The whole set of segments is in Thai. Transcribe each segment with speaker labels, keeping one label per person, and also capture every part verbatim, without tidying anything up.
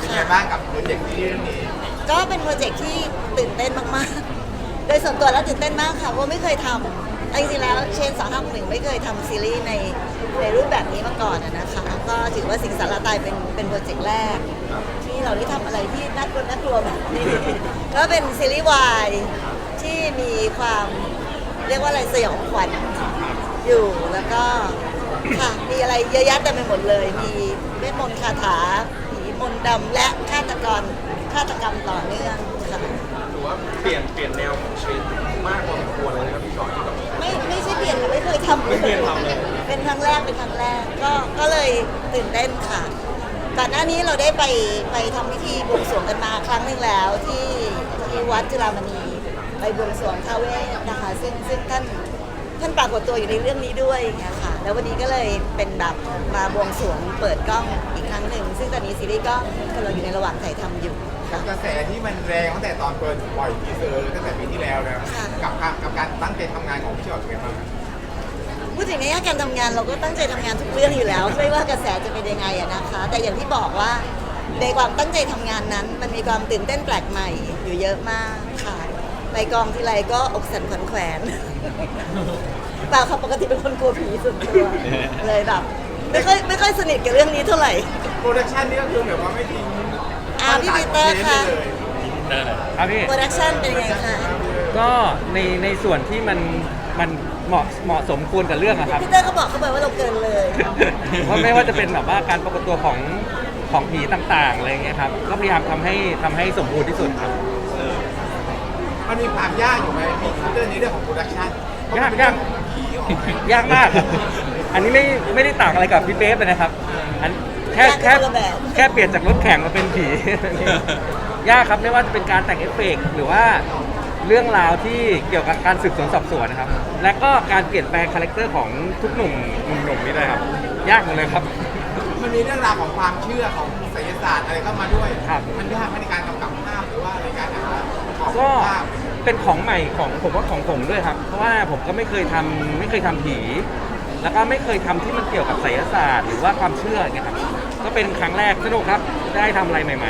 Speaker 1: ไงบ้างกับโปรเจกต์ที่เรื่องนี้
Speaker 2: ก็เป็นโปรเจกต์ที่ตื่นเต้นมากๆ โดยส่วนตัวแล้วตื่นเต้นมากค่ะเพราะไม่เคยทำจริงๆแล้วเชนสองห้าหนึ่งไม่เคยทำซีรีส์ในในรูปแบบนี้มาก่อนอะนะคะก็ถือว่าสิงสารตายเป็นเป็นโปรเจกต์แรก ที่เราได้ทำอะไรที่น่ากลัวน่ากลัวแบบนี้ ก็เป็นซีรีส์วายที่มีความเรียกว่าอะไรสยองขวัญอยู่แล้วก็ค่ะมีอะไรเยอะแยะเต็มไปหมดเลย มีเวทมนต์คาถาผีมนต์ดำและฆาตกรฆาตกรรมต่อเนื่องค่ะ
Speaker 3: หรือว่าเปลี่ยนเปลี่ยนแนวของชีวิตมากพอสมควรเลยนะครับพี่ชอยที่แบบ
Speaker 2: ไม่ไม่ใช่เปลี่ยนค่ะไม่เคยทำ
Speaker 3: ไม่เคยทำเลย
Speaker 2: เป็นครั้งแรกเป็นครั้งแรกก็ก็เลยตื่นเต้นค่ะก่อนหน้านี้เราได้ไปไปทำพิธีบวงสรวงกันมาครั้งหนึ่งแล้วที่ที่วัดจุฬามณีไปบวงสรวงท้าวเวสนะคะซึ่งซึ่งท่านท่านปรากฏตัวอยู่ในเรื่องนี้ด้วยอย่างเงี้ยค่ะแล้ววันนี้ก็เลยเป็นแบบมาบวงสรวงเปิดกล้องอีกครั้งหนึ่งซึ่งตอนนี้ซีรีส์ก็กำลังอยู่ในระหว่างถ่ายทำอยู่
Speaker 1: กับกระแสที่มันแรงตั้งแต่ตอนเปิดปล่อยทีเซอร์ตั้งแต่ปีที่แล้วนะ
Speaker 2: ค่ะ
Speaker 1: กับการกับการตั้งใจทำงานของพี่ชอตเป็นไงบ้าง
Speaker 2: พูดถึงในแง่การทำงานเราก็ตั้งใจทำงานทุกเรื่องอยู่แล้วไม่ว่ากระแสจะเป็นยังไงอะนะคะ แต่อย่างที่บอกว่าในความตั้งใจทำงานนั้น มันมีความตื่นเต้นแปลกใหม่อยู่เยอะมากค่ะไปกองทีไรก็อกสั่นขวัญแขวน เปล่าค่ะปกติเป็นคนกลัวผีสุดตัวเลยแบบไม่ค่อยไม่ค่อยสนิทกับเรื่องนี้เท่าไหร่
Speaker 1: โปรดักชันนี่ก็คือแบบว่าไม่ทิ้ง
Speaker 2: อ่าพี่ปีเตอร์ค่ะ
Speaker 1: เลย
Speaker 4: ครับพี่
Speaker 2: โปรดักชั่นเป็นยังไงคะ
Speaker 4: ก็ในในส่วนที่มันมันเหมาะเหมาะสมควรกับเรื่องอะครับ
Speaker 2: พี่เตอร์เขาบอกเขาไปว่าเราเกินเลย
Speaker 4: เพราะไม่ว่าจะเป็นแบบว่าการปรากฏตัวของของผีต่างๆอะไรเงี้ยครับก็พยายามทำให้ทำให้สมบูรณ์ที่สุดครับ
Speaker 1: มันมีความยากอยู่ไหมมีเรื่องนี้เรื่องของโปรดักชัน
Speaker 4: ยากยาก
Speaker 1: ผีออกม
Speaker 4: ยากมากครับอันนี้ไม่ไม่ได้ต่างอะไรกับพี่เป๊ปเลยนะครับอันแค่แค่แค่เปลี่ยนจากรถแข่งมาเป็นผี ยากครับไม่ว่าจะเป็นการแต่งเอฟเฟกต์หรือว่าเรื่องราวที่เกี่ยวกับการสืบสวนสอบสวนนะครับ และก็การเปลี่ยนแปลงคาแรคเตอร์ของทุกหนุ่มหนุ่มๆนี่เลยครับ ยากหมดเลยครับ
Speaker 1: มันมีเรื่องราวของความเชื่อของไสยศาสตร์อะไรเข้ามาด้วย
Speaker 4: ครับ
Speaker 1: มันยากไหมในการกำกับภาพหรือว่าในการหาของ
Speaker 4: ก็
Speaker 1: ภาพ
Speaker 4: เป็นของใหม่ของผมว่าของผมด้วยครับ เพราะว่าผมก็ไม่เคยทำไม่เคยทำผี แล้วก็ไม่เคยทำที่มันเกี่ยวกับไสยศาสตร์หรือว่าความเชื่ออย่างเงี้ยครับก็เป็นครั้งแรกสนุกครับได้ทำอะไรใหม่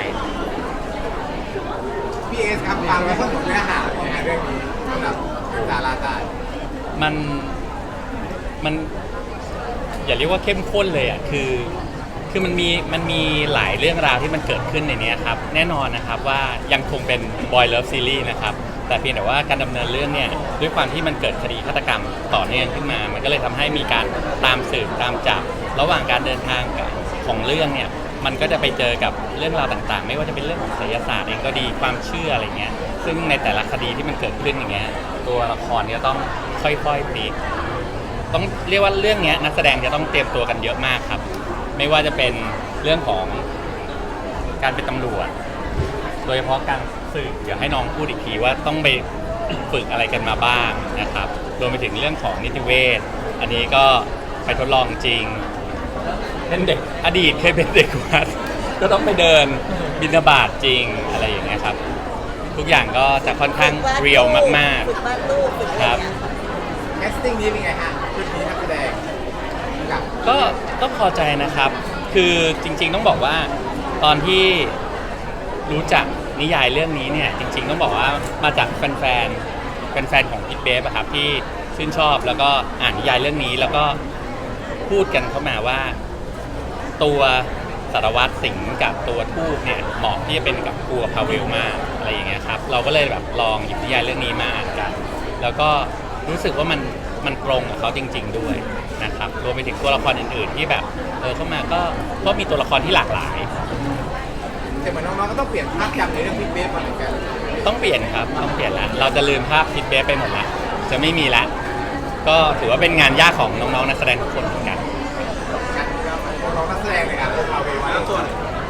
Speaker 1: พีเอสครับฟังแล้วก็เนื้อหาของงานเรื่องนี้สำหรับสาราตาย
Speaker 5: มันมันอย่าเรียกว่าเข้มข้นเลยอ่ะคือคือมันมีมันมีหลายเรื่องราวที่มันเกิดขึ้นในนี้ครับแน่นอนนะครับว่ายังคงเป็น Boy Love Series นะครับแต่เพียงแต่ว่าการดำเนินเรื่องเนี่ยด้วยความที่มันเกิดคดีฆาตกรรมต่อเนื่องขึ้นมา มันก็เลยทำให้มีการตามสืบตามจับระหว่างการเดินทางของเรื่องเนี่ยมันก็จะไปเจอกับเรื่องราวต่างๆ ไม่ว่าจะเป็นเรื่องของไสยศาสตร์เองก็ดีความเชื่ออะไรเงี้ยซึ่งในแต่ละคดีที่มันเกิดขึ้นอย่างเงี้ยตัวละครเนี่ยต้องค่อยๆพลิก ต้องเรียกว่าเรื่องนี้นักแสดงจะต้องเตรียมตัวกันเยอะมากครับ ไม่ว่าจะเป็นเรื่องของการเป็นตำรวจ โดยเฉพาะการสืบเดี๋ยวให้น้องพูดอีกทีว่าต้องไปฝึกอะไรกันมาบ้างนะครับรวมไปถึงเรื่องของนิติเวชอันนี้ก็ไปทดลองจริงเป็นเด็กอดีตเคยเป็นเด็กวัดก็ต้องไปเดินบิณฑบาตจริงอะไรอย่างเงี้ยครับทุกอย่างก็จะค่อนข้างเรียลมาก
Speaker 2: ฝึกวาดรูปฝึกอะไรอย่างเงี้ย
Speaker 1: แคสติ้งนี้เป็นไงฮะชุดนี้นักแสดงกับ
Speaker 5: ๆก็ต้องพอใจนะครับ คือจริงๆต้องบอกว่าตอนที่รู้จักนิยายเรื่องนี้เนี่ยจริงๆต้องบอกว่ามาจากแฟนๆแฟนๆของพิทเบฟอะครับที่ชื่นชอบแล้วก็อ่านนิยายเรื่องนี้แล้วก็พูดกันเข้ามาว่าตัวสารวัตรสิงห์กับตัวทูตเนี่ยเหมาะที่จะเป็นกับครัวพาเวลมากอะไรอย่างเงี้ยครับเราก็เลยแบบลองหยิบนิยายเรื่องนี้มาอ่านกัน แล้วก็รู้สึกว่ามันมันตรงกับเขาจริง ๆด้วยนะครับรวมไปถึงตัวละครอื่นๆที่แบบเออเข้ามาก็ก็มีตัวละครที่หลากหลาย
Speaker 1: แต่เหมือนน้องๆก็ต้องเปลี่ยนภาพจำในเรื่องพิทเบฟมาเหมือนกัน
Speaker 5: ต้องเปลี่ยนครับต้องเปลี่ยนละเราจะลืมภาพพิทเบฟไปหมดละจะไม่มีละก็ถือว่าเป็นงานยากของน้องๆนักแสดงทุกคนเหมือนกัน
Speaker 1: กันก็น้องนักแสดงเลยครับเอาไปไว้ส่วน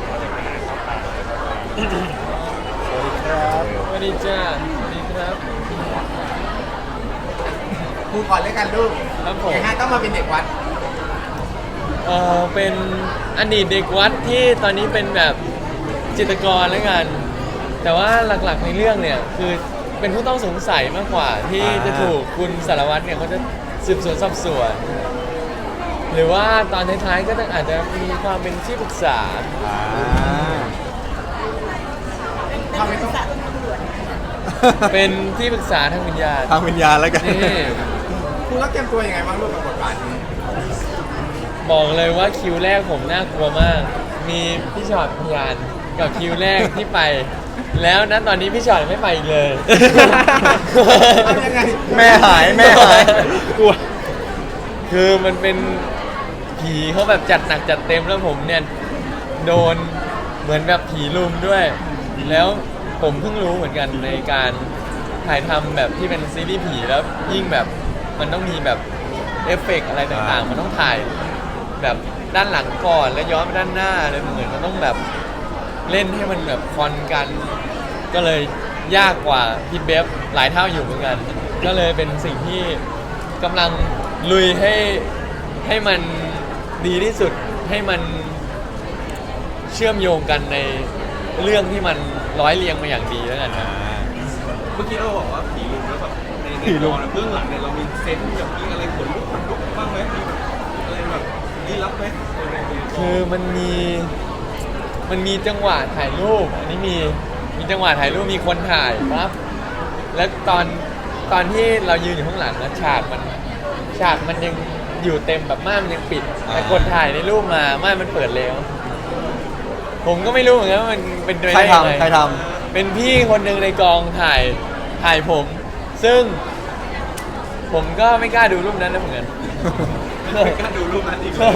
Speaker 6: สวัสดีจ้าสวัสดีครับ
Speaker 1: ครูก่อนเลยกันลูก
Speaker 6: ครับผม
Speaker 1: ยังไงต้องมาเป็นเด็กวัด
Speaker 6: เออเป็นอดีตเด็กวัดที่ตอนนี้เป็นแบบจิตรกรแล้วกัน แต่ว่าหลักๆในเรื่องเนี่ยคือเป็นผู้ต้องสงสัยมากกว่าที่จะถูกคุณสารวัตรเนี่ยเขาจะสืบสวนสอบสวน หรือว่าตอนท้ายๆก็อาจจะมีความเป็นที่ปรึกษาเป็นที่ปรึกษาทางวิญญาณ
Speaker 7: ทางวิญญาณแล้วกัน
Speaker 6: นี่
Speaker 1: คุณต้องเตรียมตัวยังไงบ้างร่วมกับบทบาทนี้
Speaker 6: บอกเลยว่าคิวแรกผมน่ากลัวมาก มีพี่ชอตพยานกับคิวแรกที่ไป แล้วนะตอนนี้พี่ชอตไม่ไปอีกเลย
Speaker 1: ทำยังไง
Speaker 7: แม่หายแม่หาย
Speaker 6: กลัว คือมันเป็นผีเขาแบบจัดหนักจัดเต็มแล้วผมเนี่ยโดนเหมือนแบบผีลุมด้วย แล้วผมเพิ่งรู้เหมือนกันในการถ่ายทำแบบที่เป็นซีรีส์ผีแล้วยิ่งแบบมันต้องมีแบบเอฟเฟกต์อะไรต่างๆ มันต้องถ่ายแบบด้านหลังก่อนแล้วย้อนไปด้านหน้าเลยเหมือนมันต้องแบบเล่นให้มันแบบคอนกัน ก็เลยยากกว่าพี่เบฟหลายเท่าอยู่เหมือนกัน ก็เลยเป็นสิ่งที่กำลังลุยให้ให้มันดีที่สุดให้มันเชื่อมโยงกันในเรื่องที่มันร้อยเรียงมาอย่างดีแล้วกันครับ
Speaker 3: เมื่อกี้เราบอกว่าผีลุมแล้วแบบในใน
Speaker 7: ผีลุ
Speaker 3: ก
Speaker 7: ม
Speaker 3: องเบื้องหลังเนี่ยเรามีเซนส์แบบมีอะไรขนลุกขนลุกบ้างไหมมีแบบอะไรแบบลี้ลับไหมในในกอง
Speaker 6: คือมันมีมันมีจังหวะถ่ายรูปอันนี้มีมีจังหวะถ่ายรูปมีคนถ่ายปั๊บแล้วตอนตอนที่เรายืนอยู่ข้างหลังนะฉากมันฉากมันยังอยู่เต็มแบบม่านมันยังปิดแต่คนถ่ายในรูปมาม่านมันเปิดแล้ว ผมก็ไม่รู้เหมือนกันว่ามันเป็นไป
Speaker 7: ใคร
Speaker 6: ได้ยังไง
Speaker 7: ทำใครท
Speaker 6: เป็นพี่คนหนึ่งในกองถ่ายถ่ายผม ซึ่ง ผมก็ไม่กล้าดูรูปนั้นนะเหมือนกัน
Speaker 3: ไม่กล้าดูรูปนั้นอีกเลย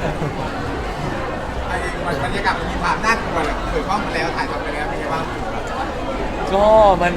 Speaker 1: ไอ้บรรยากาศมันมีความน่ากลัวแหละเปิดกล้องมาแล้วถ่ายทำไปแล้วเป็นไงบ้าง
Speaker 6: ก็มัน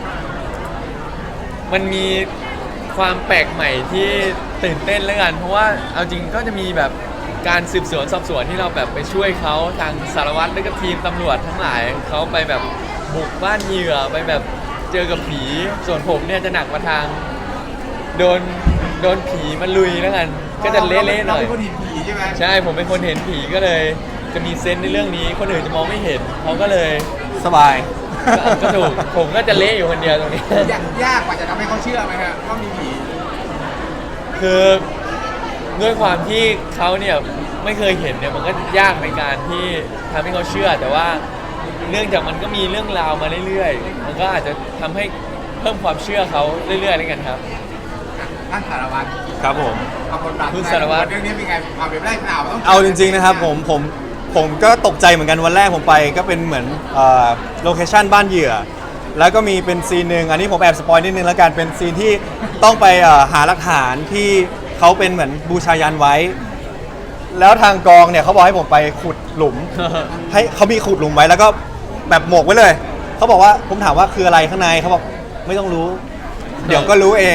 Speaker 6: มันมีความแปลกใหม่ที่ตื่นเต้นแล้วกัน เพราะว่าเอาจริงก็จะมีแบบการสืบสวนสอบสวนที่เราแบบไปช่วยเขาทางสารวัตรและก็ทีมตำรวจทั้งหลายเขาไปแบบบุกบ้านเหยื่อไปแบบเจอกับผีส่วนผมเนี่ยจะหนักมาทางโดนโดนผีมันลุยแล้วกัน ก็จะเละๆหน่อย
Speaker 1: เราเป็นคนเห็นผีใช่ไหม
Speaker 6: ใช่ผมเป็นคนเห็นผีก็เลยจะมีเซนส์ในเรื่องนี้คนอื่นจะมองไม่เห็นเขาก็เลย
Speaker 7: ำสบาย
Speaker 6: ก็ก็ถูกผมก็จะเละอยู่คนเดียวตรงนี้
Speaker 1: ยากยากกว่าจะทำให้เขาเชื่อไหมฮะว่ามีผี
Speaker 6: คือด้วยความที่เขาเนี่ยไม่เคยเห็นเนี่ยมันก็ยากในการที่ทำให้เขาเชื่อ แต่ว่าเนื่องจากมันก็มีเรื่องราวมาเรื่อยๆมันก็อาจจะทำให้เพิ่มความเชื่อเขาเรื่อยๆแล้วกันครับ
Speaker 1: ท่านสารวัตร
Speaker 7: ครับผม
Speaker 1: เอาบทบาท
Speaker 6: คุณสารวัตร
Speaker 1: เรื่องนี้เป็นไงความเป็นไปได้เปล่าต้อง
Speaker 7: เอาจริงๆนะครับผมผมผมก็ตกใจเหมือนกันวันแรกผมไปก็เป็นเหมือนโลเคชั่นบ้านเหยื่อ แล้วก็มีเป็นซีนหนึ่งอันนี้ผมแอบสปอยนิดนึงแล้วกันเป็นซีนที่ต้องไปเอ่อหาหลักฐานที่เขาเป็นเหมือนบูชายันไว้ แล้วทางกองเนี่ยเขาบอกให้ผมไปขุดหลุม ให้เขามีขุดหลุมไว้แล้วก็แบบหมกไว้เลยเขาบอกว่าผมถามว่าคืออะไรข้างในเขาบอกไม่ต้องรู้ เดี๋ยวก็รู้เอง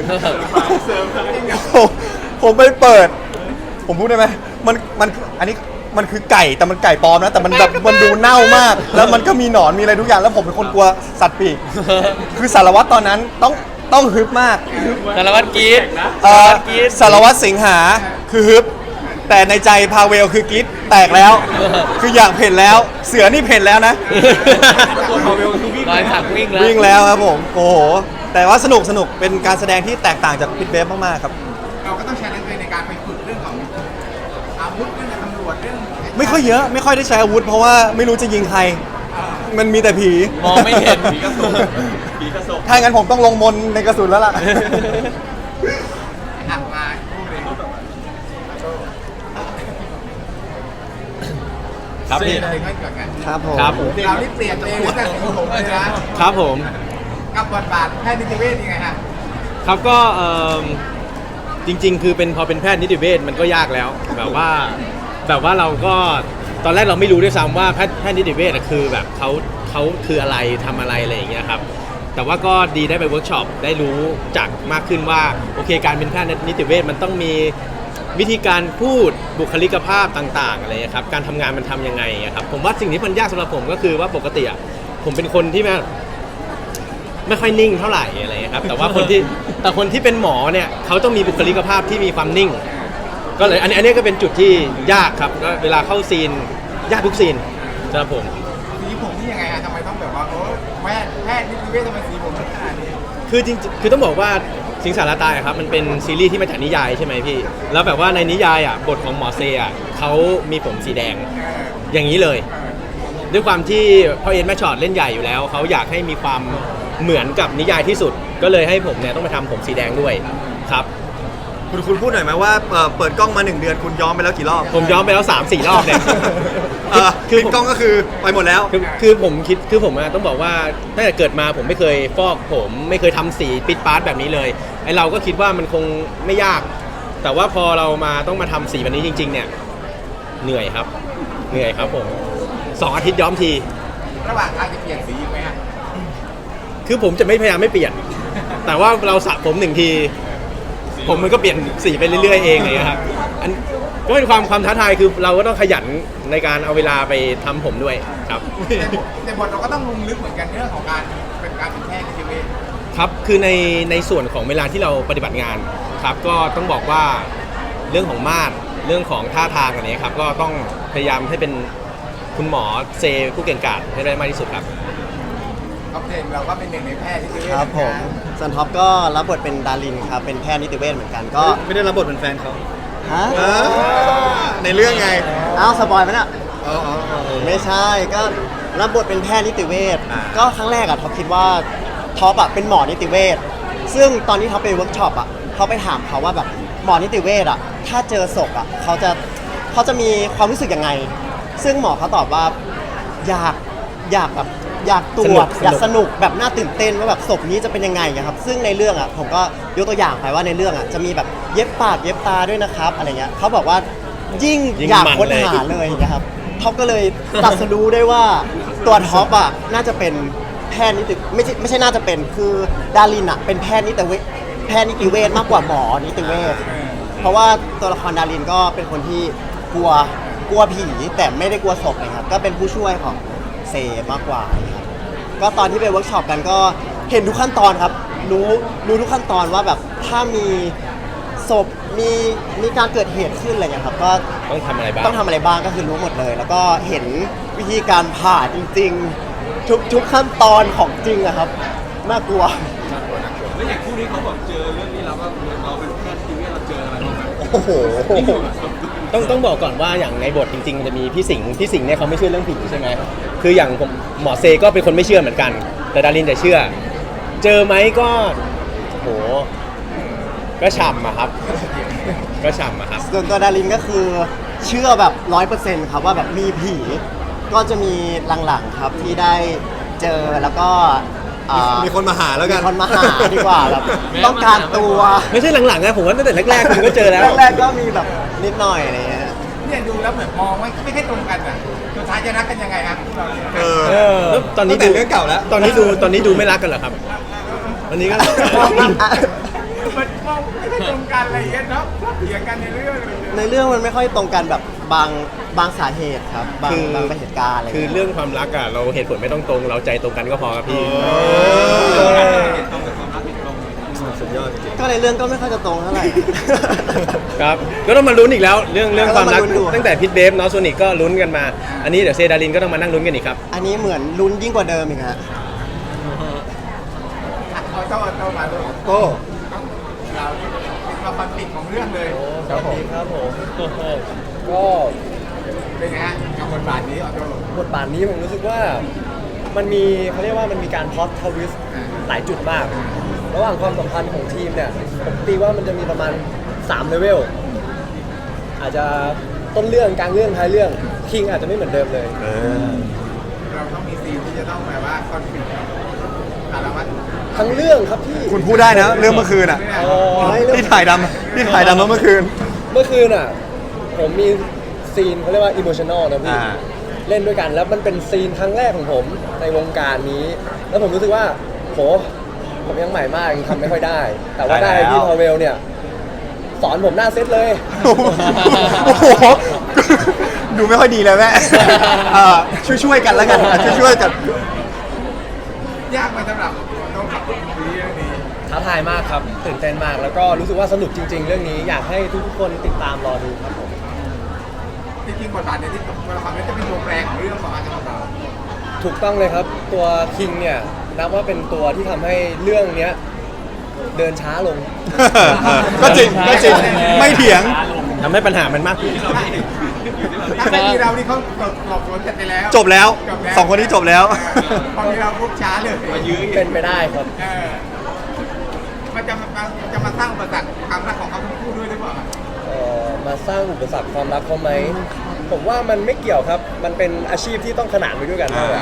Speaker 7: ผมผมไปเปิด ผมพูดได้ไหมมันมันอันนี้มันคือไก่แต่มันไก่ปลอมนะแต่มันแบบมันดูเน่ามาก แล้วมันก็มีหนอนมีอะไรทุกอย่างแล้วผมเป็นคนกลัวสัตว์ปีก คือสารวัตรตอนนั้นต้องต้องฮึบมาก
Speaker 6: สารวัตรกรีด
Speaker 7: เอ่
Speaker 6: สาร
Speaker 7: อ
Speaker 6: วัตรกรีด
Speaker 7: สารวัตรสิงหาคือฮึบ แต่ในใจพาเวลคือกรีดแตกแล้ว คืออยากเพ่นแล้ว เสือนี่เพ่นแล้วนะ
Speaker 6: รอยสักวิ่งแล้ว
Speaker 7: วิ่งแล้วครับผมโอ้โหแต่ว่าสนุกสนุกเป็นการแสดงที่แตกต่างจากพิทเบฟมากๆครับ
Speaker 1: เราก็ต้องใช้นักเรียนในการไปฝึกเรื่องของอาวุธเรื่องตำรวจเรื่อง
Speaker 7: ไม่ค่อยเยอะไม่ค่อยได้ใช้อาวุธ เพราะว่าไม่รู้จะยิงใคร มันมีแต่ผี
Speaker 6: มองไม่เห็น
Speaker 3: ผีกระสบผีกระสบ
Speaker 7: ถ้างั้นผมต้องลงมนต์ในกระสุนแล้วล่ะ
Speaker 1: อ่ะมาพูดเลย
Speaker 7: ครับพี่
Speaker 1: เรื่องอะไรก่อนกัน
Speaker 7: ครับผม
Speaker 4: ครับ
Speaker 1: เรานี่เปลี่ยนตัวเองตั้งแต่สีผมเลยนะครับ
Speaker 4: ผม
Speaker 1: กับบทบาทแพทย์นิติเวชยังไงฮะ
Speaker 4: ครับก็เอิ่มจริงๆ คือเป็นพอเป็นแพทย์นิติเวชมันก็ยากแล้ว แบบว่าแบบว่าเราก็ตอนแรกเราไม่รู้ด้วยซ้ำว่าแพทย์แพทย์นิติเวชอะคือแบบเขาเขาคืออะไรทำอะไรอะไรอย่างเงี้ยครับแต่ว่าก็ดีได้ไปเวิร์กช็อปได้รู้จักมากขึ้นว่าโอเคการเป็นแพทย์นิติเวชมันต้องมีวิธีการพูดบุคลิกภาพต่างๆอะไรอย่างเงี้ยครับการทำงานมันทำยังไงอะครับผมว่าสิ่งที่มันยากสำหรับผมก็คือว่าปกติอะผมเป็นคนที่แบบ ไม่ค่อยนิ่งเท่าไหร่อะไรเงี้ยครับแต่ว่าคนที่แต่คนที่เป็นหมอเนี่ยเขาต้องมีบุคลิกภาพที่มีความนิ่ง ก็เลยอันนี้อันนี้ก็เป็นจุดที่ยากครับก็เวลาเข้าซีนยากทุกซีนสำหรับผม
Speaker 1: สีผมนี่ยังไงฮะทำไมต้องแบบว่าโอ้แพทย์แพทย์นิติเวชทำไมสีผมขนาดนี้
Speaker 4: คือจริงๆคือต้องบอกว่าสิงสารตายอะครับมันเป็นซีรีส์ที่มาจากนิยายใช่ไหมพี่แล้วแบบว่าในนิยายอ่ะบทของหมอเซอ่ะเขามีผมสีแดง
Speaker 1: เออ
Speaker 4: อย่างนี้เลย ด้วยความที่พ่อเอ็นแม่ชอตเล่นใหญ่อยู่แล้วเขาอยากให้มีความ
Speaker 8: เหมือนกับนิยายที่สุด ก็เลยให้ผมเนี่ยต้องมาทำผมสีแดงด้วยครับ
Speaker 7: คุณคุณพูดหน่อยไหมว่าเอ่อเปิดกล้องมาหนึ่งเดือนคุณย้อมไปแล้วกี่รอบ
Speaker 8: ผมย้อมไปแล้ว สามสี่ รอบเนี่ย
Speaker 7: เออปิดกล้องก็คือไปหมดแล้ว
Speaker 8: คือคือผมคิดคือผมอะต้องบอกว่าตั้งแต่เกิดมาผมไม่เคยฟอกผมไม่เคยทำสีปิดปาร์ตแบบนี้เลยไอเราก็คิดว่ามันคงไม่ยาก แต่ว่าพอเรามาต้องมาทำสีแบบนี้จริง ๆ เนี่ยเหนื่อยครับเหนื่อยครับผมสองอาทิตย์ย้อมที
Speaker 1: ระหว่างทางจะเปลี่ยนสีอีกไหมฮะ
Speaker 8: คือผมจะไม่พยายามไม่เปลี่ยน แต่ว่าเราสระผมหนึ่งที ผมมันก็เปลี่ยนสีไปเรื่อยๆเองเลยครับอันก็เป็นความความท้าทายคือเราก็ต้องขยันในการเอาเวลาไปทำผมด้วยครับ
Speaker 1: แต่บทเราก็ต้องลงลึกเหมือนกันเรื่องของการเป็นการเป็นแพทย์นิติเวช
Speaker 8: ครับคือในในส่วนของเวลาที่เราปฏิบัติงานครับก็ต้องบอกว่าเรื่องของมาตรเรื่องของท่าทางอันนี้ครับก็ต้องพยายามให้เป็นคุณหมอเซผู้เก่งกาจให้ได้มากที่สุดครับ
Speaker 1: เอาเพลงเราก็เป็นหนึ่งในแพทย์นิติเวช
Speaker 9: ครับผมส่วนท็อปก็รับบทเป็นดารินครับ เป็นแพทย์นิติเวชเหมือนกันก็
Speaker 7: ไม่ได้รับบทเป็นแฟนเขา
Speaker 9: ฮะ
Speaker 7: เออในเรื่องไง
Speaker 9: อ้าวสปอยไหมน่ะ
Speaker 7: อ๋ออ๋ออ๋อ
Speaker 9: ไม่ใช่ก็รับบทเป็นแพทย์นิติเวช
Speaker 7: อ่า
Speaker 9: ก็ครั้งแรกอะท็อปคิดว่าท็อปอะเป็นหมอนิติเวชซึ่งตอนที่ท็อปไปเวิร์กช็อปอะเขาไปถามเขาว่าแบบหมอนิติเวชอะถ้าเจอศพอะเขาจะเขาจะมีความรู้สึกยังไง ซึ่งหมอเขาตอบว่าอยากอยากแบบอยากตรวจ
Speaker 8: สนุก
Speaker 9: อยากสนุกแบบน่าตื่นเต้นว่าแบบศพนี้จะเป็นยังไงอะครับซึ่งในเรื่องอะผมก็ยกตัวอย่างไปว่าในเรื่องอะจะมีแบบเย็บปากเย็บตาด้วยนะครับอะไรเงี้ยเขาบอกว่ายิ่ง
Speaker 8: ยิ่ง
Speaker 9: อยาก
Speaker 8: มัน
Speaker 9: ค้น
Speaker 8: เลย
Speaker 9: หาเลยนะครับท็อปก็เลยตัดสรู้ได้ว่าตัวท็อปอะน่าจะเป็นแพทย์นิติไม่ใช่ไม่ใช่น่าจะเป็นคือดารินอะเป็นแพทย์นิติเวชแพทย์นิติเวชมากกว่าหมอนิติเวชเพราะว่าตัวละครดารินก็เป็นคนที่กลัวกลัวผีแต่ไม่ได้กลัวศพนะครับก็เป็นผู้ช่วยของเซมากกว่านะครับก็ตอนที่ไปเวิร์กช็อปกันก็เห็นทุกขั้นตอนครับรู้รู้ทุกขั้นตอนว่าแบบถ้ามีศพมีมีการเกิดเหตุขึ้นอะไรเงี้ยครับก็
Speaker 8: ต้องทำอะไรบ้าง
Speaker 9: ต้องทำอะไรบ้างก็คือรู้หมดเลย แล้วก็เห็นวิธีการผ่าจริงๆ ทุกทุกขั้นตอนของจริงอะครับน่ากลัว
Speaker 3: แล้วอย่างคู่นี้เขาบอกเจอเรื่องนี้แล้วก็เราเป็นแพทย์ทีวีเราเจออะไรบ้างไหม
Speaker 9: โอ้โห
Speaker 8: ต้องต้องบอกก่อนว่าอย่างในบทจริงๆมันจะมีพี่สิงห์พี่สิงห์เนี่ยเขาไม่เชื่อเรื่องผีใช่ไหมคืออย่างผมหมอเซก็เป็นคนไม่เชื่อเหมือนกัน แต่ดารินจะเชื่อ เจอไหมก็โหก็ฉ่ำอะครับ ก็ฉ่ำอะครับ
Speaker 9: ส่วนตัวดารินก็คือเชื่อแบบร้อยเปอร์เซ็นต์ครับว่าแบบมีผีก็จะมีหลังๆครับที่ได้เจอแล้วก็อ่า
Speaker 7: มีคนมาหาแล้วกัน
Speaker 9: มีคนมาหาดีกว่าแบบต้องการตัว
Speaker 8: ไม่ใช่หลังๆนะผมว่าตั้งแต่แรกๆคุณก็เจอแล้ว
Speaker 9: แรกๆก็มีแบบนิดหน่อยอะไรเงี้ย
Speaker 1: เนี่ยดูแล้วเหมือนมองไม่ไม่ค่อยตรงกันอ่ะสุดท้ายจะรักกันยังไงครับพวกเราเนี่ย
Speaker 7: เออ
Speaker 8: เออแล้วตอนนี้
Speaker 7: ตั้งแต่
Speaker 8: ดู
Speaker 7: เรื่องเก่าแล้ว
Speaker 8: ตอนนี้ดูตอนนี้ดูไม่รักกันเหรอครับวันนี้ก็
Speaker 1: มันมองไม่ค่อยตรงกันอะไรอย่างเงี้ยเนาะชอบเถียงกันในเรื่องเลย
Speaker 9: ในเรื่องมันไม่ค่อยตรงกันแบบบางบางสาเหตุครับบาง
Speaker 8: คือ
Speaker 9: บางเหตุการณ์อะไร
Speaker 8: คือ
Speaker 9: เงี้ย
Speaker 8: เรื่องความรักอะเราเหตุผลไม่ต้องตรง เราใจตรงกันก็พอครับพี่
Speaker 7: สุดยอดจริง
Speaker 9: ก็ในเรื่องก็ไม่ค่อยจะตรงเท่าไหร่
Speaker 8: ครับก็ต้องมาลุ้นอีกแล้ว เรื่องเรื่องความรัก
Speaker 9: ก็ต้องมาลุ้นดู
Speaker 8: ตั้งแต่พิทเบฟเนาะโซนิกก็ลุ้นกันมา อันนี้เดี๋ยวเซดารินก็ต้องมานั่งลุ้นกันอีกครับ
Speaker 9: อันนี้เหมือนลุ้นยิ่งกว่าเดิมอีกฮะ
Speaker 1: เอาเจ้าเอาเจ้ามาด้วย
Speaker 7: ๆโอ้
Speaker 1: เราเป็นความฝันปิดของเรื่องเลย
Speaker 6: ครับผมครับผมก็
Speaker 1: เป็นไงฮะกับบทบาทนี้เอาเจ้า
Speaker 6: บทบาทนี้ผมรู้สึกว่ามันมีเขาเรียกว่ามันมีการพล็อตทวิสต์หลายจุดมาก ระหว่างความสัมพันธ์ของทีมเนี่ยผมตีว่ามันจะมีประมาณสามเลเวลอาจจะต้นเรื่องกลางเรื่องท้ายเรื่องคิงอาจจะไม่เหมือนเดิมเลย
Speaker 7: เออ
Speaker 1: เราต้องมีซีนที่จะต้องแบบว่าคอนฟ lict สารวัตร
Speaker 6: ทั้งเรื่องครับพี่
Speaker 7: คุณพูดได้นะ เรื่องเมื่อคืนอ่ะ
Speaker 6: อ๋อให้เรื่อง
Speaker 7: ที่ถ่ายดำที่ถ่ายดำมาเมื่อคืน
Speaker 6: เมื่อคืนอ่ะผมมีซีนเขาเรียกว่าอิโมชัน a ลนะพี่
Speaker 7: อ่า
Speaker 6: เล่นด้วยกันแล้วมันเป็นซีนครั้งแรกของผมในวงการนี้ แล้วผมรู้สึกว่าโหผมยังใหม่มากยังทำไม่ค่อยได้ แต่ว่าได้พี่พาเวลเนี่ยสอนผมหน้าเซตเลย
Speaker 7: โอ้โห ดูไม่ค่อยดีเลยแม่เอ่อช่วยๆกันแล้วกันช่วยๆกัน
Speaker 1: ยากไหมสำหรับต้องขับรถซีรีส์เรื่องนี้
Speaker 6: ท้าทายมากครับตื่นเต้นมากแล้วก็รู้สึกว่าสนุกจริง ๆ เรื่องนี้อยากให้ทุกๆคนติดตามรอดูครับผม
Speaker 1: จริงๆบทบาทในที่ตัวละครนี้จะเป็นตัวแปรของเรื่องของอาจารย์เรา
Speaker 6: ถูกต้องเลยครับตัวคิงเนี่ยนับว่าเป็นตัวที่ทำให้เรื่องเนี้ยเดินช้าลง
Speaker 7: ก็จริงก็จริงไม่เถียง
Speaker 8: ทำให้ปัญหามันมากขึ้น
Speaker 1: ถ้าไม่มีเรานี่เขาหลบหลบสวนเสร็จไปแล้ว
Speaker 7: จบแล้ว
Speaker 1: จบแล้ว
Speaker 7: สองคนนี้จบแล้ว
Speaker 1: เออพอมีเราปุ๊บช้าเลย
Speaker 3: มายื้ออีก
Speaker 8: เป็นไปได้ครับ
Speaker 1: เออมันจะมามันจะมาสร้างอุปสรรคความรักของเขาทั้งคู่ด้วยหรือเปล่า
Speaker 8: เอ่อมาสร้างอุปสรรคความรักเขาไหม ผมว่ามันไม่เกี่ยวครับ มันเป็นอาชีพที่ต้องขนานไปด้วยกันมากกว่า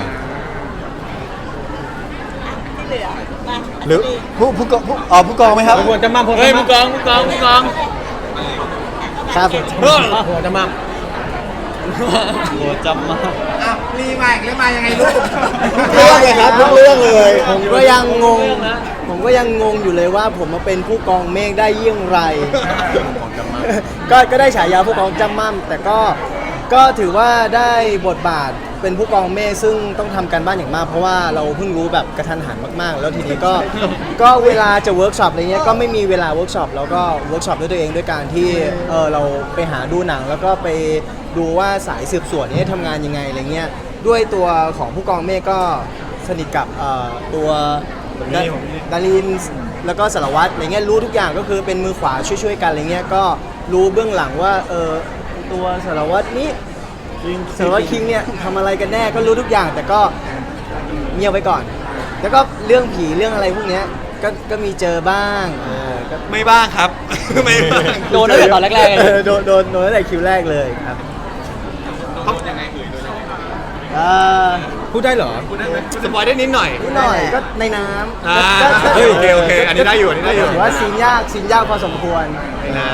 Speaker 2: ที่เหลือมา
Speaker 7: หรือผู้ผู้กองผู้อ๋อผู้กองไหมครับ
Speaker 8: หัวจะมั่ม
Speaker 6: เฮ้ยผู้กองผู้กองผู้กอง
Speaker 9: ครับ
Speaker 8: หัวจะมั่ม
Speaker 6: โหจำมาก
Speaker 1: อ้าวรีมาอีกแล้วมายังไงลูก
Speaker 9: เรื่องเลยครับทุกเรื่องเลย ผมก็ยังงง ผมก็ยังงงอยู่เลยว่าผมมาเป็นผู้กองเมฆได้เยี่ยงไร ก็ก็ได้ฉายาผู้กองจำมั่มแต่ก็ก็ถือว่าได้บทบาทเป็นผู้กองเมฆซึ่งต้องทำการบ้านอย่างมาก เพราะว่าเราเพิ่งรู้แบบกระทันหันมากๆ แล้วทีนี้ก็ ก็เวลาจะเวิร์กช็อปอะไรเงี้ยก็ไม่มีเวลาเวิร์กช็อปแล้วก็เวิร์กช็อปด้วยตัวเองด้วยการที่เออเราไปหาดูหนัง แล้วก็ไปดูว่าสายสืบสวนนี้ทำงานยังไงอะไรเงี้ยด้วยตัวของผู้กองเมฆก็สนิทกับเอ่อตัวดาดารินแล้วก็สารวัตรอะไรเงี้ยรู้ทุกอย่างก็คือเป็นมือขวาช่วยๆกันอะไรเงี้ยก็รู้เบื้องหลังว่าเออตัวสารวัตรนี้สารวัตรคิงเนี่ยทำอะไรกันแน่ก็รู้ทุกอย่างแต่ก็เงียบไว้ก่อน แล้วก็เรื่องผีเรื่องอะไรพวกเนี้ยก็ก็มีเจอบ้างเออก็
Speaker 7: ไม่บ้างครับ ไม่บ้าง
Speaker 6: โดนตั้งแต่ตอนแรกๆเลย
Speaker 9: เออโดนโดนโดนตั้งแต่คิวแรกเลยครับ
Speaker 3: โดนยังไงเอ่ยโดนยังไง
Speaker 9: เอ่อ
Speaker 8: พูดได้เหรอ
Speaker 3: พูดได้ไหม
Speaker 7: สปอยได้นิดหน่อย
Speaker 9: นิดหน่อยก็ในน้ำ
Speaker 7: อ่า
Speaker 9: ก็ก็
Speaker 7: เฮ้ยโอเคโอเคอันนี้ได้อยู่อันนี้ได้อยู่
Speaker 9: ถือว่าซีนยากซีนยากพอสมควร
Speaker 7: ในน้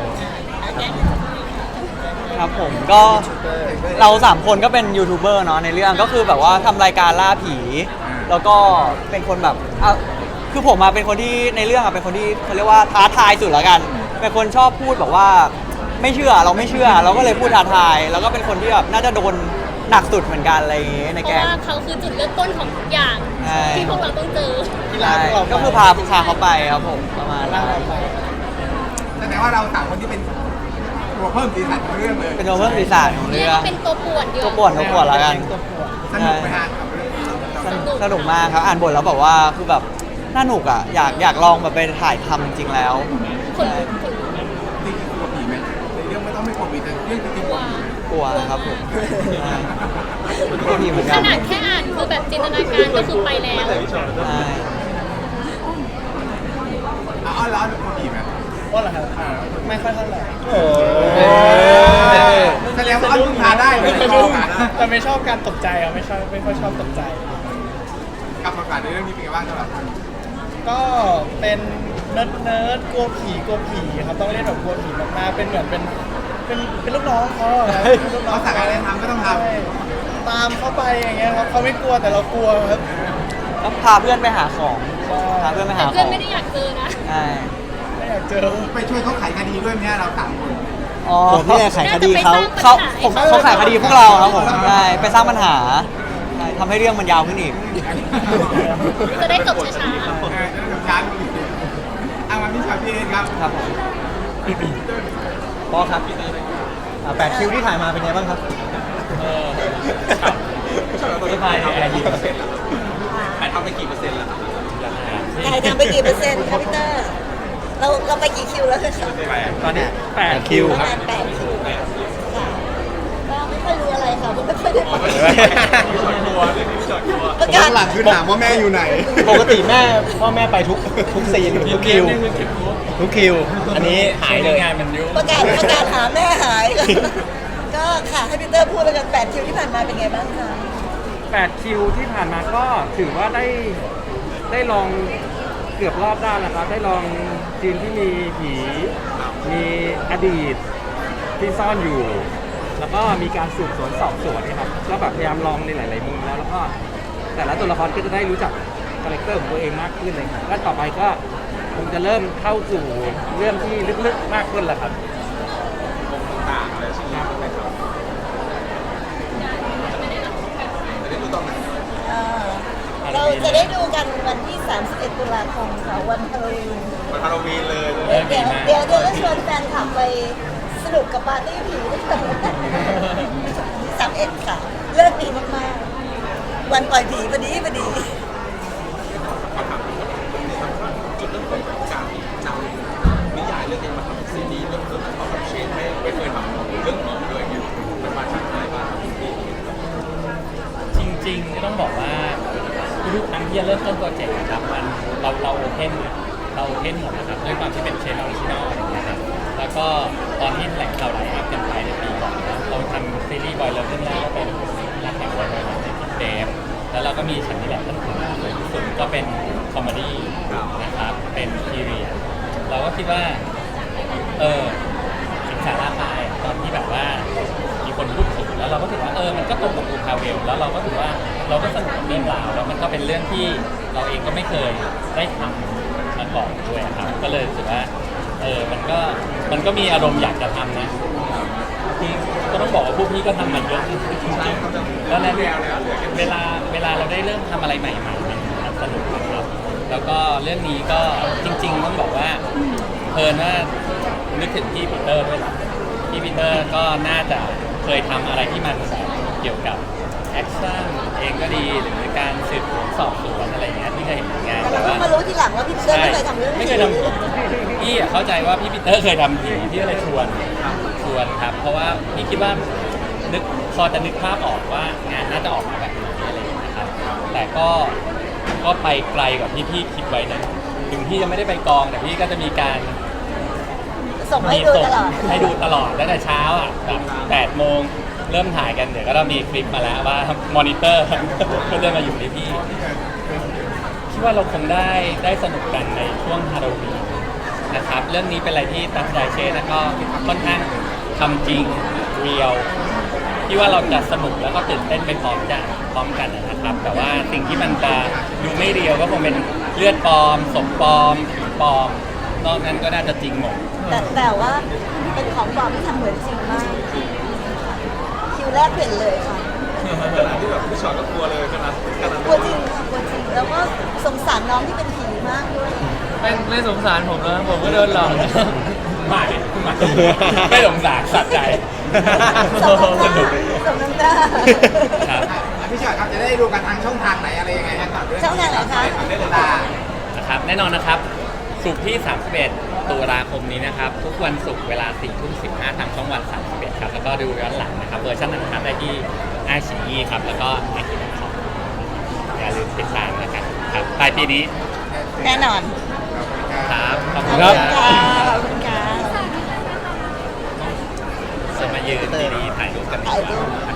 Speaker 6: ครับผมก็เราสามคนก็เป็นยูทูบเบอร์เนาะในเรื่องก็คือแบบว่าทำรายการล่าผี แล้วก็เป็นคนแบบอ่ะคือผมมาเป็นคนที่ในเรื่องอะเป็นคนที่เขาเรียกว่าท้าทายสุดละกัน เป็นคนชอบพูดแบบว่าไม่เชื่อเราไม่เชื่อ เราก็เลยพูดท้าทาย แล้วก็เป็นคนที่แบบน่าจะโดนหนักสุดเหมือนกันอะไรอย่างงี้ใน
Speaker 10: เพ
Speaker 6: แก
Speaker 10: ราะ
Speaker 6: ง
Speaker 10: ว่าเขาคือจุดเริ่มต้นของทุกอย่าง
Speaker 6: ใช่
Speaker 10: ที่พวกเราต้องเจอ
Speaker 6: ใช่ก็คือพาพาเขาไปครับผมประมาณนั้น
Speaker 1: แสดงว่าเราสามคนที่เป็นตัวเพิ่มสีสันของเรื่องเลย
Speaker 6: เป็นตัวเพิ่มสีสันของ
Speaker 10: เรีย
Speaker 6: เรื่
Speaker 10: ก
Speaker 6: อง
Speaker 10: ว่าเป็นตัวป่วนดีก
Speaker 6: ตัว
Speaker 10: ว่า
Speaker 6: ป่วนตัวป่วนแล้วกัน
Speaker 1: สนุกไหมฮะกับเรื่อง
Speaker 6: สนุกสนุกมากครับอ่านบทแล้วแบบว่าคือแบบน่าหนุกอ่ะอยากอยากลองแบบไปถ่ายทำจริงๆแล้ว
Speaker 10: คนคน
Speaker 1: จริงๆกลัวผีไหมในเรื่องไม่ต้องไม่กลัวผีแต่เรื่องจริงๆกลัวผี
Speaker 6: กลัวครับผมใช่กลัวผีเหมือน
Speaker 10: ข
Speaker 6: กัน
Speaker 10: นาดแค่อ่านคือแบบจินตนาการก็คือไปแล้ว
Speaker 6: ใช่
Speaker 1: อ๋อแล้วกลัวผีไหม
Speaker 9: ว่าเหรอครับ ไม่ค่อยเท่าไหร่
Speaker 8: โอ้
Speaker 1: แสดงว่าเอาพึ่งพาได้เลยในกองอะ
Speaker 9: แต่ไม่ชอบการตกใจอ่ะไม่ชอบไม่ค่อยชอบตกใจ
Speaker 1: กับบทบาทในเรื่องนี้เป็นไงบ้างสำหรับคุณ
Speaker 9: ก็เป็นเนิร์ดเนิร์ดกลัวผีกลัวผีครับต้องเล่นแบบกลัวผีมากๆเป็นเหมือนเป็นเป็นเป็นลูกน้องเขาอะครับเป็นลูกน้อง
Speaker 1: เขาสั่งอะไรทำก็ต้องทำ
Speaker 9: ใช่ตามเข้าไปอย่างเงี้ยครับเขาไม่กลัวแต่เรากลัวครับ
Speaker 6: ต้องพาเพื่อนไปหาของพาเพื่อนไป
Speaker 10: แต่
Speaker 6: หาข
Speaker 10: เพื่อ
Speaker 6: อน ง
Speaker 10: ไม่ได้อยากเจอนะ
Speaker 6: ใช่
Speaker 9: ไม่อยากเจอ
Speaker 1: ไปช่วยเขาไขคดีด้วยไหมฮะเราสามคน
Speaker 6: อ๋อ
Speaker 9: ผมเนี่ยไขคดีเขา
Speaker 6: เขาผมเขาขายคดีพวกเราครับผมใช่ไปสร้างปัญหาใช่ทำให้เรื่องมันยาวขึ้นอีก
Speaker 10: จะได้จบช้า
Speaker 1: เออจะได้กับชาร์จเอามาพี่ชาวพี่เองครับ
Speaker 6: ครับผม
Speaker 9: ปอครับอ่าแปดคิวที่ถ่ายมาเป็นไงบ้างครับ
Speaker 6: สบายแอร์เย็น
Speaker 3: ถ่ายทำไปกี่เปอร์เซ็นต์แล้วครับ
Speaker 2: ถ่ายทำไปกี่เปอร์เซ็นต์คะพี่เตอร์เราเราไปกี่คิวแล้วคะ
Speaker 4: ตอนนี้แปดคิว
Speaker 2: ประ
Speaker 4: ครับ
Speaker 2: มาณแปดคิวค่ะก็ไม่ค่อยรู้อะไรค่ะไม่ค่อยได้ไป
Speaker 3: จอดกลัวเรื่องนี้จอดกลัว
Speaker 2: ประกาศ
Speaker 7: หลังคือถามว่าแม่อยู่ไหน
Speaker 8: ปกติแม่พ่อแม่ไปทุกทุกซีนทุกคิวทุกคิว อันนี้หายเลย
Speaker 2: ประกาศประกาศหาแม่หาย ก็ค่ะให้พี่เตอร์พูดแล้วกันแปดคิวที่ผ่านมาเป็นไงบ้างคะ
Speaker 4: แปดคิวที่ผ่านมาก็ถือว่าได้ได้ลองเกือบรอบด้านแล้วครับได้ลองซีนที่มีผีมีอดีตที่ซ่อนอยู่ แล้วก็มีการสืบสวนสอบสวนนะครับก็แบบพยายามลองในหลาย ๆ มุมแล้วแล้วก็แต่ละตัวละครก็จะได้รู้จักคาแรคเตอร์ของตัวเองมากขึ้นเลยครับก็ต่อไปก็คงจะเริ่มเข้าสู่เรื่องที่ลึก ๆ มากขึ้นแล้วครับ
Speaker 3: ต่างอะไรชิ้นนี้เป็นครับจะได้ดูตอนไหน
Speaker 2: เอ่อเราจะได้ดูกันวันที่ สามสิบเอ็ด ตุลาคมค่ะวันฮาโลวีน
Speaker 3: มันฮาโลวีนเลย
Speaker 2: เดี๋ยวเดี๋ยวเดี๋ยวเดี๋ยวจะชวนแฟนคลับไปสนุกกับปาร์ตี้ผีด้วยกันสามเอ็ดค่ะ เลิกดีมากๆ วันปล่อยผีพอดีพอดี
Speaker 3: จุดเริ่มต้นของการนำนิยายเรื่องนี้มาทำเป็นซีรีส์เรื่องเรื่องของแบบเชนไม่ไม่เคยทำเรื่องผีด้วยเนี่ย
Speaker 5: ริงๆก็ต้องบอกว่าทุกครั้งที่จะเริ่มต้นโปรเจกต์นะครับมันเราเราโอเพนเราโอเพนหมดนะครับด้วยความที่เป็นเชนออริจินอลอย่างเงี้ยครับแล้วก็ตอนที่แหล่งข่าวไลฟ์อัพกันไปในปีก่อนนะเราทำซีรีส์บอยเลิฟเรื่องแรกก็เป็นรักแห่งวันในวันในพิเศษแล้วเราก็มีฉันนี่แหละท่านผู้สวยที่สุดก็เป็นคอมเมดี้นะครับเป็นพีเรียดเราก็คิดว่าเออถึงสาระไปตอนที่แบบว่ามีคนพูดถึงแล้วเราก็ถือว่าเออมันก็ตรงกับดูพาเวลแล้วเราก็ถือว่าเราก็สนุกกับเรื่องราวแล้วมันก็เป็นเรื่องที่เราเองก็ไม่เคยได้ทำมาก่อนด้วยครับก็เลยรู้สึกว่าเออมันก็มันก็มีอารมณ์อยากจะทำนะที่ก็ต้องบอกว่าพวกพี่ก็ทำมาเยอะจริงๆแล้วนั้นเวลาเวลาเราได้เริ่มทำอะไรใหม่ๆมันสนุกครับแล้วก็เรื่องนี้ก็จริงๆต้องบอกว่าเพลินว่านึกถึงพี่ปีเตอร์ด้วยพี่ปีเตอร์ก็น่าจะเคยทำอะไรที่มันแบบเกี่ยวกับแอคชั่นเองก็ดีหรือการสืบสวนสอบสวนอะไรอย่างเงี้ยที่เคยเห็นงาน
Speaker 2: แต่เราเพิ่งมารู้ทีหลังว่าพี่เติ้ลไม่เคยทำเรื่อง
Speaker 5: ไม่เคยทำพี่อะเข้าใจว่าพี่ปีเตอร์เคยทำผีพี่ก็เลยชวนชวนครับเพราะว่าพี่คิดว่านึกพอจะนึกภาพออกว่างานน่าจะออกมาแบบไหนอะไรอย่างเงี้ยครับแต่ก็ก็ไปไกลกว่าที่พี่คิดไว้นะถึงพี่จะไม่ได้ไปกองแต่พี่ก็จะมีการ
Speaker 2: ส่งให้ดูตลอด
Speaker 5: ให้ดูตลอดตั้งแต่เช้าอ่ะแบบแปดโมงเริ่มถ่ายกันเดี๋ยวก็ต้องมีคลิปมาแล้วว่ามอนิเตอร์ ก็จะมาอยู่ที่พี่คิดว่าเราคงได้ได้สนุกกันในช่วงฮาโลวีนนะครับเรื่องนี้เป็นอะไรที่ตั้งใจเช่แล้วก็ค่อนข้างทำจริงเรียวที่ว่าเราจะสนุกแล้วก็ตื่นเต้นไปพร้อมกันพร้อมกันนะครับ แต่ว่าสิ่งที่มันจะดูไม่เรียวก็คงเป็นเลือดปลอมศพปลอมผีปลอมนอกนั้นก็น่าจะจริงหมด
Speaker 2: แต่แต่ว่าเป็นของปลอมที่ทำเหมือนจริงมากคิวแรกเปลี่ยนเลยค่ะ
Speaker 3: ขนาดที่แบบพี่ชอตก็กลัวเลยขนาดขนาด
Speaker 2: กลัวจริงค่ะกลัวจริงแล้วก็สงสารน้องที่เป็นผีมากด้วย
Speaker 6: ไม่ไม่สงสารผมนะผมก็โดนหลอกนะ
Speaker 5: ไม่ไม่ไม่สงสารสัตว์ใจ
Speaker 2: สมน้ำหน้าสมน้ำหน้า
Speaker 5: ครับ
Speaker 1: พี่ชอตครับจะได้ดูกันทางช่องทางไหนอะไรยังไงครับ
Speaker 2: ช่องทางไหนคะ
Speaker 1: เรื่องตา
Speaker 5: นะครับแน่นอนนะครับศุกร์ที่สามสิบเอ็ดตุลาคมนี้นะครับทุกวันศุกร์เวลาสี่ทุ่มสิบห้าทางช่องวันสามสิบเอ็ดครับแล้วก็ดูย้อนหลังนะครับเวอร์ชันนั้นครับได้ที่ไอซีอีครับแล้วก็ไอซีคอมอย่าลืมติดตามนะครับครับปลายปีนี้
Speaker 2: แน่นอน
Speaker 5: ครับขอบ
Speaker 2: ข
Speaker 5: คุ
Speaker 2: อบ
Speaker 5: ณ
Speaker 2: คุ
Speaker 5: ค
Speaker 2: ณ
Speaker 5: รับ
Speaker 2: ค่ะขอบคุณค่ะ
Speaker 5: จะมายืนดีๆถ่ายรูปกันดี
Speaker 2: ถ่าย
Speaker 5: ก
Speaker 2: รู
Speaker 5: ว่า
Speaker 2: ป